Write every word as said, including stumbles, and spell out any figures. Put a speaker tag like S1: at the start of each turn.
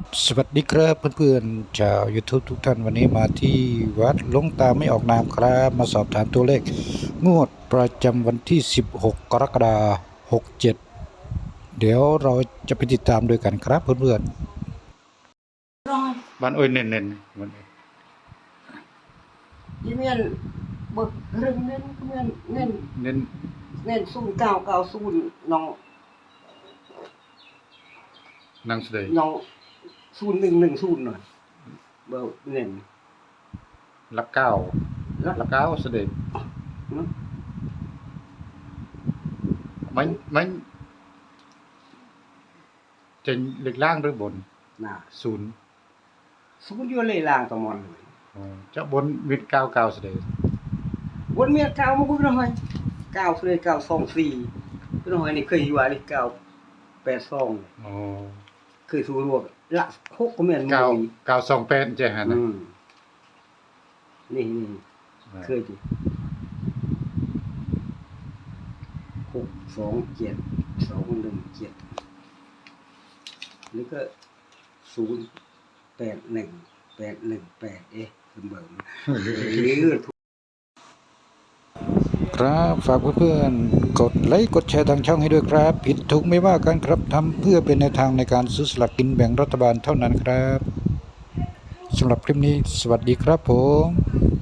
S1: สวัสดีครับเพื่อนๆชาว YouTube ทุกท่านวันนี้มาที่วัดหลวงตาไม่ออกนามครับมาสอบถามตัวเลขงวดประจำวันที่สิบหกกรกฎาคมหกเจ็ดเดี๋ยวเราจะไปติดตามด้วยกันครับเพื่อนๆบ้านโอ้ยเน้นๆมัน
S2: ที่เมียนเบิกเรื่องเน้นเมียนเน้น
S1: เน้น
S2: เน้นศูนย์เก้าเก้าศูนย์น้อง
S1: นางเสดย
S2: น้องศูนย์หนึ่งหนึ่งศูนย์หน่อยเบิกเน้น
S1: ลักเก้า
S2: แล้ว
S1: ลักเก้าเสดย
S2: เนาะ
S1: มันมันจะเล็กล่างหรือบน
S2: น่ะ
S1: ศูนย์
S2: ศูนย์อยู่เลยล่างตะมอนเลย
S1: อ๋อจะบนวิดเก้าเก้าเสดย
S2: วนเมียเก้ามาบุกหน่อยเก้าเลยเก้าสองสี่หน่อยนี่เคยอยู่ว่านี่เก้าแปดสอง
S1: อ๋อ
S2: เคยสู้รวบละหกก็เมียน
S1: เก้า
S2: มือ
S1: เก้าสองแปดใช่ฮะนะ
S2: อืมนี่นี่เคยดิหกสองเจ็ดสองหนึ่งเจ็ดนี่ก็ศูนย์แปดหนึ่งแปดหนึ่งแปดเอ๊ะเสมอหรือ
S1: ครับฝากเพื่อนๆกดไลค์กดแชร์ทางช่องให้ด้วยครับผิดถูกไม่ว่ากันครับทำเพื่อเป็นแนวทางในการซื้อสลากกินแบ่งรัฐบาลเท่านั้นครับสำหรับคลิปนี้สวัสดีครับผม